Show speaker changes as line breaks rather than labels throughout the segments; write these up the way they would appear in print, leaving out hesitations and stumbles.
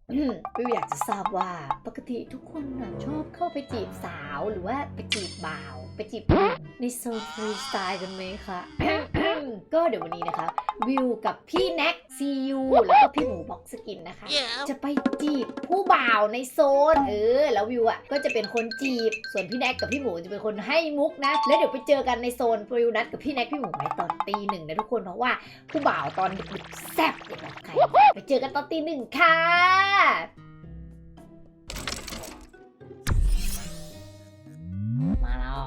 วิวอยากจะทราบว่าปกติทุกคนน่ะชอบเข้าไปจีบสาวหรือว่าไปจีบบ่าวไปจีบหนุ่มในโซนฟรีสไตล์กันไหมคะ ก็เดี๋ยววันนี้นะคะวิวกับพี่แน็กซียูแล้วก็พี่หมูบ็อกสกินนะคะ จะไปจีบผู้บ่าวในโซนแล้ววิวอ่ะก็จะเป็นคนจีบส่วนพี่แน็กกับพี่หมูจะเป็นคนให้มุกนะแล้วเดี๋ยวไปเจอกันในโซนวิวนัดกับพี่แน็กพี่หมูไว้ตอนตี 1นะทุกคนเพราะว่าผู้บ่าวตอนดึกๆแซ่บอย่างแบบใครไปเจอกันตอนตี 1ค่ะมาแล้ว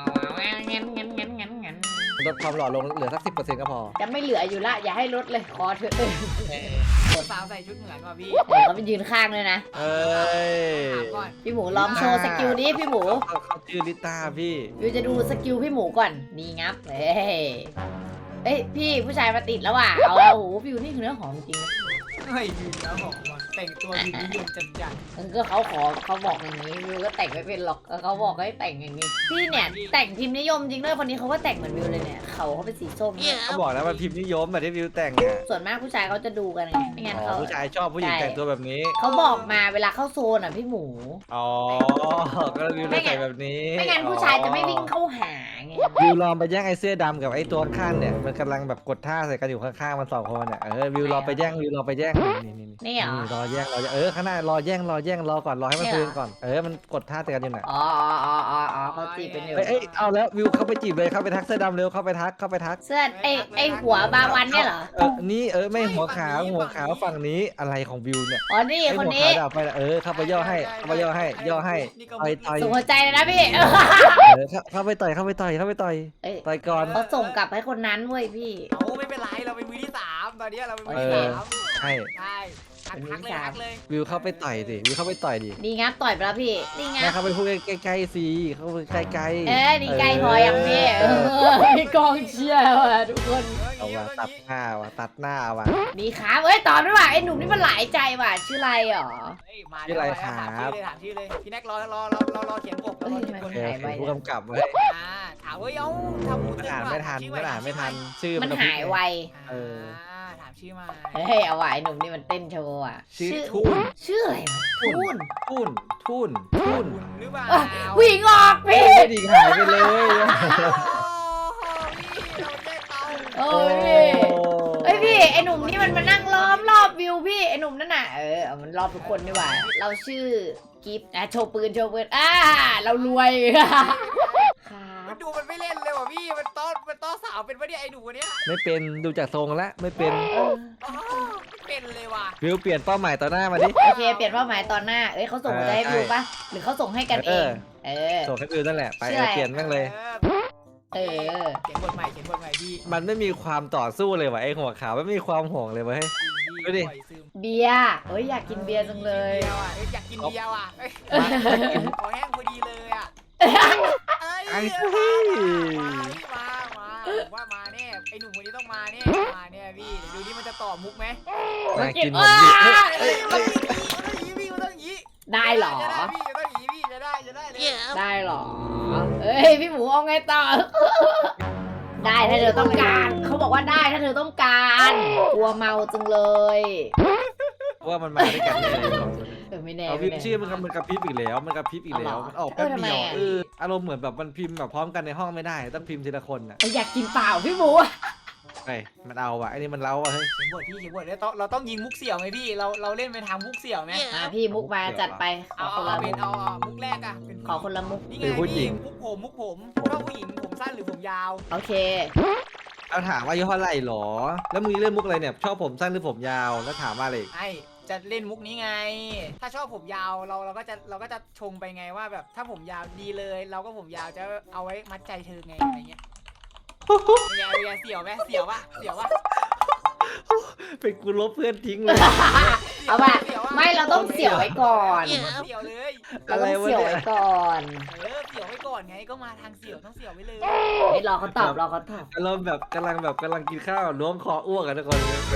งั้น
ลดความหล่อลงเหลือสัก10%ก็พอ
จะไม่เหลืออยู่ละอย่าให้ลดเลยขอเถอะ
สาวใส่ชุดเหมือนว่ะพี่
เขาไปยืนข้างเลยนะ
เอ้ย
ถามก่อน
พี่หมูลองโชว์สกิลนี้พี่หมู
เขาชื่อลิต้าพี่
วิวจะดูสกิลพี่หมูก่อน นี่งับเอ้ยพี่ผู้ชายมาติดแล้วว่ะ เอาแล้วโอ้โหวิวนี่คือเนื้อหอมจริงนะ
เฮ้ยยืนแล้วบอกว่าแต่งตัวยืนนิยมจัดจัด
ก็เขาบอกอย่างนี้วิวก็แต่งไม่เป็นหรอกเขาบอกให้แต่งอย่างนี้ พี่เนี่ยแต่งพิมพ์นิยมจริงด้วยคนนี้เขาก็แต่งเหมือนวิวเลยเนี่ยเขาเป็นสีส้มเนี่ย
เขาบอกแล้วมันพิมพ์นิยมแบบที่วิวแต่งอ่ะ
ส่วนมากผู้ชายเขาจะดูกันไงไม่งั้น
อ๋
เขา
อผู้ชายชอบผู้หญิงแต่งตัวแบบนี้
เขาบอกมาเวลาเข้าโซนอ่ะพี่หมู
อ๋อ ก็วิวเลยใส่แบบนี้
ไม่งั้นผู้ชายจะไม่วิ่งเข้าหาไง
วิวลองไปแย่งไอ้เสื้อดำกับไอ้ตัวข้างเนี่ยมันกำลังแบบกดท่าใส่กันอยู่ข้างๆมัน2 คนเนี่ยวิวรอไปแย่งวิวรอไปแย่งนี่
นี่เหรอ
รอแย่งข้างหน้ารอแย่งรอก่อนรอให้มัน
เนี่ยเหรอ
คืนก่อนมันกดท่าใส่กันอยู่น่ะ
อ๋อเขาจีบเป็นอยู่
เอ้ยเอาแล้ววิวเข้าไปจีบเลยเข้าไปทักเสื้อดำเร็วเข้าไปทัก
เสื้อไอหัวบาวันเนี่ยเหรอ
นี่ไม่หัวขาวฝั่งนี้อะไรของวิวเนี่ย
อ๋อ นี่
ไอ้
คน
หัว
นี้
ขาวดับไปละเข้าไปย่อให้ย่อให้ต่อย
ส่งหัวใจเลยนะพี่
เข้าไปต่อย
เอ้ย
ต่อยก่อน
เขาส่งกลับให้คนนั้นเว้ยพี่
เอาไม่เป็นไรเราเป็นมือที่3ตอนนี้เราเป็นมือที่3
ใช่
ใช่ทักเลย
วิวเข้าไปต่อยดิวิวเข้าไปต่อยดิ
ดีงับต่อยไปแล้วพี่ดีงั
แม่
บ
เข้าไปพูดใกล้ๆสิเข้าไปใกล้ๆ
ดีไกลพอยังพี่มีกองเชียร์ว่ะทุกคน
เอาว่ะตัดหน้าว่ะ
ดีครับเอ้ยตอบด้วยว่ะไอ้หนุ่มนี่มันหลายใจว่ะชื่ออะไรหรอ
มาถามชื่อเลยพี่แน็กรอเขียนบท
โอเคผู้กำกับไว้
ถามว่าเอ้าทำหมู
มันอ่านไม่ทันชื่อ
มันหายไว
ถามชื่อมา
เฮ้ยเอาว่ะไอ้หนุ่มนี่มันเต้นโชว์อ่ะ
ชื่อทุ่น
ชื่ออะไรวะทุ่น
หรือเปล่า
วิ่งออกพี่
ไม่ดีหายไปเลย
โอ้ยเฮ้ยพี่ไอหนุ่มนี่มันมานั่งล้อมรอบวิวพี่ไอหนุ่มนั่นน่ะมันรอบทุกคนดีกว่าเราชื่อกิฟต์โชว์ปืนเรารวยครับ
มันดูมันไม่เล่นเลยว่ะพี่มันต้อสาวเป็นวะเนี่ยไอ้หนูคนเนี้ย
ไม่เป็นดูจากทรงแล้วไม่เป็น
เป็นเลยว่ะ
วิวเปลี่ยนเป้าหมายต่อหน้ามาดิ
โอเคเปลี่ยนเป้าหมายตอนหน้าเขาส่งมาให้วิวปะหรือเขาส่งให้กันเอง
ส่งให้วิวนั่นแหละไปเปลี่ยนแม่งเลย
เขียนบทใหม่พี่
มันไม่มีความต่อสู้เลยว่ะไอ้หัวขาวไม่มีความห่วงเลยเว้ย ดูดิ
เบียร์อยากกินเบียร์จังเลย
อยากกินเบียร์ว่ะขอแห้งพอดีเลยอ่ะว่ามาแน่ไอ้หนุ่มคนนี้ต้องมาแน่พี่ดูนี่มันจะตอบมุกไหม
น่ากินหมดดิ
พี่มันต้องยี้
ได้หรอ
พี่ต้องยี้พี่จะได้เลย
ได้หรอพี่หมูเอาไงต่อ ได้ถ้าเธอต้องการเขาบอกว่าได้ถ้าเธอต้องการกลัวเมาจังเลย
ว่ามันมาด้วยกันเลย
ไม่แน่
เอาพิมพ์ชื่อมันกระพริบอีกแล้วมันออกแป๊บเดียวอารมณ์เหมือนแบบมันพิมพ์แบบพร้อมกันในห้องไม่ได้ต้องพิมพ์ทีละคนอ่ะ
อยากกินเปล่าพี่หมู
มันเอาว่ะไอ้นี่มันเล้าว่ะเฮ้ย
เขียนบทแล้วเราต้องยิงมุกเสี่ยวไหมพี่เราเล่นไปทางมุกเสี่ยวไหม
พี่มุกมาจัดไปขอคนละมุก
เอามุกแรกอะเป็น
ขอคนละมุก
นี่ไงพี่มุกผมชอบผู้หญิงผมสั้นหรือผมยาว
โอเค
เอาถามว่าอายุเท่าไหร่หรอแล้วมึงเล่นมุกอะไรเนี่ยชอบผมสั้นหรือผมยาวแล้วถามว่าอะไร
ไอจะเล่นมุกนี้ไง ถ้าชอบผมยาวเราก็จะชงไปไงว่าแบบถ้าผมยาวดีเลย เราก็ผมยาวจะเอาไว้มัดใจเธอไงอะไรเงี้ยอย่าเสี่ยวไหมเสี่ยววะ
เป็นกูลบเพื่อนทิ้งเลย
เอาป่ะไม่เราต้องเสี่ยวไว้ก่อน
เสี่ยวเลย
เราต้องเสี่ยวไว้ก่อน
เสี่ยวไว้ก่อนไงก็มาทางเสี่ยวต้องเสี่ยวไว้เลย
รอเขาตอบ
อารมณ์แบบกำลังกินข้าวล้วงคออ้วกกันทุกคน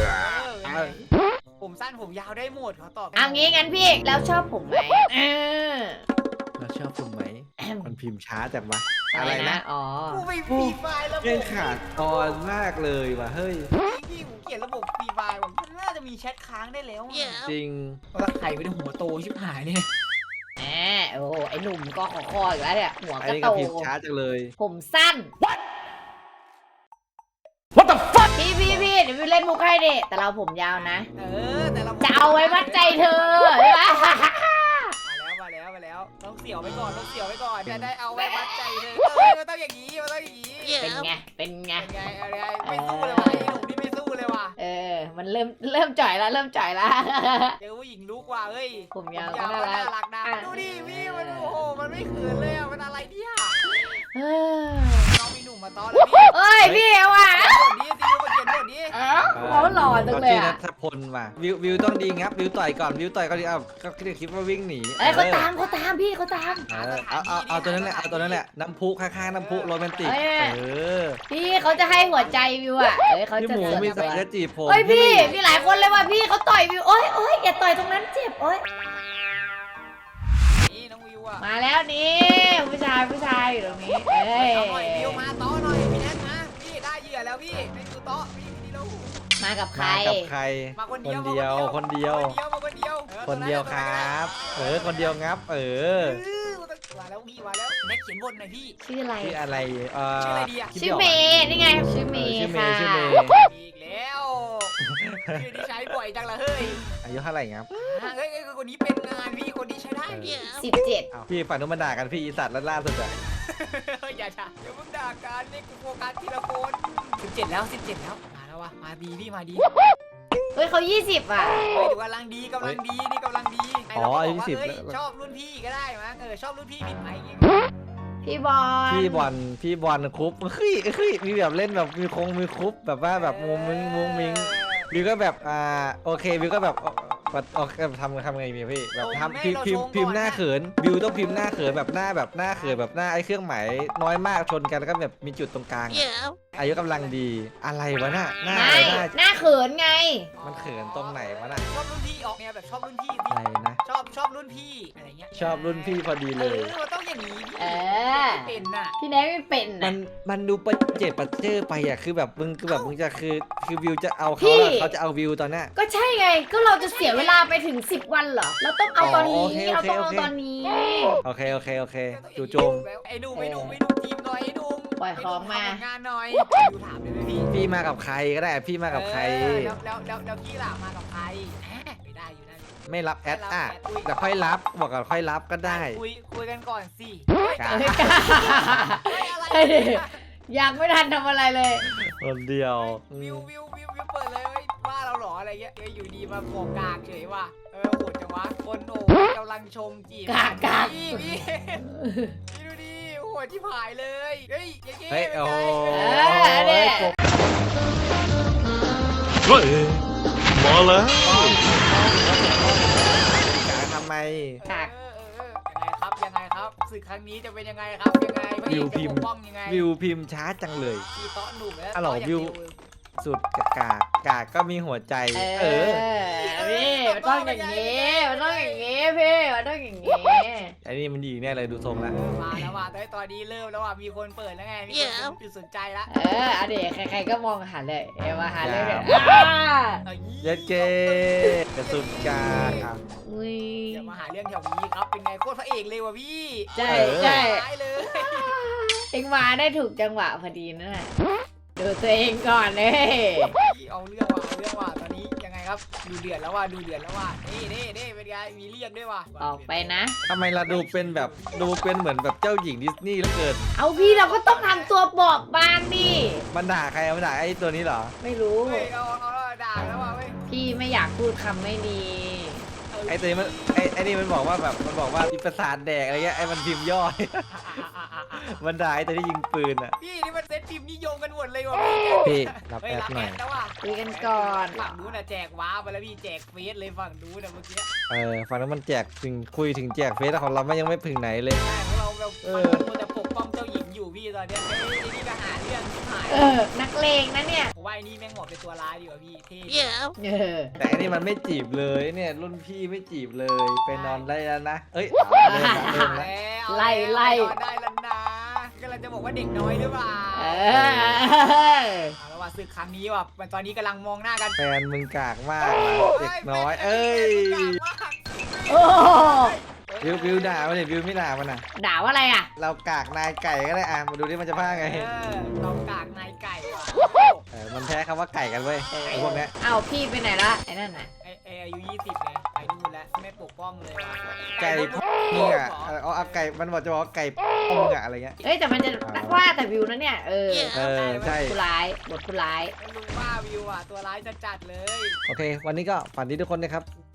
ผมสั้นผมยาวได้หมดเขาตอบ
เอางี้งั้นพี่แล้วชอบผมไหม
เราชอบผมไหมมันพิมพ์ช้าจังวะ
อะไรนะอ๋อ
กูไม่ฟรีไฟล์แล้ว
เรื่องขาดตอนมากเลยว่ะเฮ้ย
พี่ผมเขียนระบบฟรีไฟล์ผมน่าจะจะมีแชทค้างได้แล้วอะ
จริง
ว่าใครเป็นหัวโตชิบหายเนี่ย
แหมโอ้โหไอ้หนุ่มก็คออยู่แล้วเนี่ยหัว
อัน
ก็
นี้
โต
ก็พิมพ์ช้าจังเลย
ผมสั้น What the fuck พี่เดี๋ยววิวเล่นมุกให้ดิแต่เราผมยาวนะ
แต่เรา
จะเอาไว้มัดใจเธอใช่ปะ
มาแล้วต้องเสี่ยวไว้ก่อนจะได้เอาไว้มัดใจเธอมันต้องอย่างนี้
เป็นไง
เป็นไงไม่สู้เลยว่ะไอ้หนุ่มนี่ไม่สู้เลยว่ะ
มันเริ่มจ่อยแล้ว
เจอผู้หญิงลุกว่ะเฮ้ย
ผมยาว
ก็
ก็น่ารัก
รักนะดูดิพี่มันโอ้โหมันไม่เขินเลยอ่ะมันอะไรเนี่ย
เออ
น้องมีหนุ่มมาต้อนแล้วพี่
เอ้ยพี่เอาว่ะ
บทนี้ซิวมาเขียนบทนี้
เขาหล่อจังเลย
ชื่อนั
อ่ะ
ทพลมาวิวต้องดีงับวิวต่อยก่อนดีก็คิดว่าวิ่งหนี
เขาตามพี่เขาตาม
เอาตัวนั้นแหละน้ำพุข้างๆน้ำพุโรแมนติก
พี่เขาจะให้หัวใจวิวอ่ะเขา
พี่
จะ
หมูมีสายจะจีบผม
เฮ้ยพี่มีหลายคนเลยว่ะพี่เขาต่อยวิวโอ้ยอย่าต่อยตรงนั้นเจ็บโอ้ย
นี่น้องวิวอ่ะ
มาแล้วนี่ผู้ชายอยู่ตรงนี้เอ้ย
เอาหน่อยวิวมาต้อหน่อยพี่แนทนะพี่ได้เหยื่อแล้วพี่ในคือโต๊ะพี่ดีแล้ว
มากับใคร
มาคนเดียว
คนเดียว
คนเดียว
คนเดียวครับคนเดียวงับ
มาแล้วพี่มาแล้วแม็กเขียนบทหน่อยพี่
ชื่ออะไร
ชื่ออะไร
ชื่ออะไรดีอ่ะ
ชื่อเมย์นี่ไงชื่อเมย์ค่ะ
ชื่อเมย์
อีกแล้วชื่อที่ใช้บ่อยจังละเฮ้ย
อายุเท่าไหร่ครับ
เฮ้ยคนนี้เป็นงานพี่คนนี้ใช้ได้พี่
17
พี่ฝั่งนู้นมาด่ากันพี่อีสัตว์ล่าสุดอะ
อย่าเพิ่งด่ากันนี่กูโฟกัสทีละคน17แล้วมาแล้ววะมาดีพี่มาดี
เฮ้ยเขา20อ่ะ
เฮ้ยกำลังดีนี่กำลังดีชอบรุ่นพี่ก็ได้มั้งชอบรุ่นพี่ผิดไหมอย่างเงี้ย
พี่บอล
คุปเฮ้ยมีแบบเล่นแบบมีคุปแบบว่าแบบมุ้งมิงวิวก็แบบโอเควิวก็แบบทำไงพี่แบบทำพิมพ์หน้าเขินวิวต้องพิมพ์หน้าเขินแบบหน้าเขินแบบหน้าไอ้เครื่องหมายน้อยมากชนกันแล้วก็แบบมีจุดตรงกลางอายุกำลังดีอะไรวะหน้า
เขินไง
มันเขินตรงไหนวะน่ะ
ชอบรุ่นพี่ออกแนวแบบชอบรุ่นพี่
อะไรนะ
ชอบรุ่นพี่อะไรเงี้ย
ชอบรุ่นพี่พอดีเลย
มันต้องอย่างนี้เป็นน่ะ
พี่แนทไม่เป็นนะ
มันดูประเจิดประเจิอไปอ่ะคือแบบมึงจะคือวิวจะเอาเขาแล้วเขาจะเอาวิวตอนนี้
ก็ใช่ไงก็เราจะเสียเวลาไปถึง10 วันเหรอเราต้องเอาตอนนี้เราต้องเอาตอนนี้
โอเคจู่โจม
ไอ้ดูทีมหน่อยไอ้ดู
ปล่อยของมา
งานหน่อยดูถามเลยพี่
พี่มากับใครก็ได้พี่มากับใคร
แล้วพี่ล่ะมากับใครไม่ได้อยู่นั่น
ไม่รับแอดแต่ค่อยรับบอกก่อนค่อยรับก็ได้
คุยกันก่อนสิ
ยังไม่ทันทำอะไรเลย
คนเดียว
วิวเปิดเลยว่าเราหรออะไรเงี้ยอยู่ดีมาโกกากเฉยว่ะโหดจังวะคนโอ้กำลังชมจีบพี่ดูดิโหดที่ผายเลยเฮ้ย
โอ้
มาแล้ว
ทำไม
ยังไงครับศึกครั้งนี้จะเป็นยังไงครับ
วิวพิมพ์ช้าจังเลยวิวสุดกากก็มีหัวใจ
พี่มันต้องอย่างนี้พี่มันต้องอย่างนี้
ไอ้นี่มันดีแน่เลยดูทรงแล้ว
มาแล้วว่ะตอนนี้เริ่มแล้วว่ะมีคนเปิดแล้วไงมีคนจุดสนใจแล้ว
อดีตใครๆก็มองหาเลยมาหาเลย
เย็ดเกกระสุนกาก
อย่ามาหาเรื่องแถวนี้ครับเป็นไงโคตรพระเอกเลยว่ะพี่
ใช่เลยเอ็งมาได้ถูกจังหวะพอดีนั่นแหละดูตัวเองก่อนเลย
เอาเรื่องว่ะตอนนี้ยังไงครับดูเดือดแล้วว่ะนี่เป็นไงมีเรียกด้วยว่ะ
ออกไปนะ
ทำไมเราดูเป็นเหมือนแบบเจ้าหญิงดิสนีย์แล้วเกิน
เอาพี่เราก็ต้องทำตัวบอบบางดิ
มันด่าใครมันด่าไอ้ตัวนี้เหรอ
ไม่รู้
เอาด่าแล้วว่ะ
พี่ไม่อยากพูดคำไม่ดี
ไอ้ตัวนี้ไอ้นี่มันบอกว่ามีประสาทแดกอะไรเงี้ยไอ้มันพิมพ์ย่อยมันด่าไอ้ตัวที่ยิงปืนอ่ะ
พี่นี่มันเซตพิมพ์นิยมกันหมดเลยว่ะ
พี่รับแอดหน่อย
คุยกันก่อน
ฝั่งนู้นน่ะแจกว้าไปแล้วพี่แจกเฟซเลยฝั่งนู้นน่ะเมื่อกี้
ฝั่งนั้นมันแจกถึงคุยถึงแจกเฟซแต่ของเราไม่ยังไม่ถึงไหนเลย
ใช่ของเราแบบมันจะปกป้องเจ้าหญิงอยู่พี่ตอนเนี้ยไอ้นี่ก็หาเรื่องหาย
นักเลงนะเนี่ย
ผมว่าไอ้นี่แม่งเหมาะเป็นตัวร้ายดีกว่าพี่เท่
แต่อันนี้มันไม่จีบเลยเนี่ยรุ่นพี่ไม่จีบเลยไปนอนได้แล้วนะเอ้ย
ไล่
ได้แล้วนะกำลังจะบอกว่าเด็กน้อยหรือเปล่าว่ะศึกครั้งนี้ว่ะมันตอนนี้กำลังมองหน้ากัน
แฟนมึงกากมากว่ะเด็กน้อย เอ้ย
โอ้
วิวด่ามันดิวิวไม่ด่ามันอ่ะ
ด่าว่าอะไรอ่ะ
เรากากนายไก่ก็ได้อ่ะมาดูที่มันจะพาไง
เรากากนายไก่ว่ะ
มันแพ้คำว่าไก่กันเว้ยไอ้พวกเนี้ย
เอ้าพี่ไปไหนละไอ้นั่นน่ะ
ไออายุ20ไงไปนู่นแล้วไม่ปกป้องเลยว่ะ
ไก่พ่อมึงอ่ะเอาไก่มันบอกจะบอกว่าไก่พ่อมึงอ่ะอะไรเงี้ย
เอ้ยแต่มันจะว่าแต่วิวนะเนี่ย
ใช่
ผู้ร้ายบทผู้ร้าย
ลุงว่าวิวอ่ะตัวร้ายจะจัดเลย
โอเค วันนี้ก็ฝันดีทุกคนนะครับ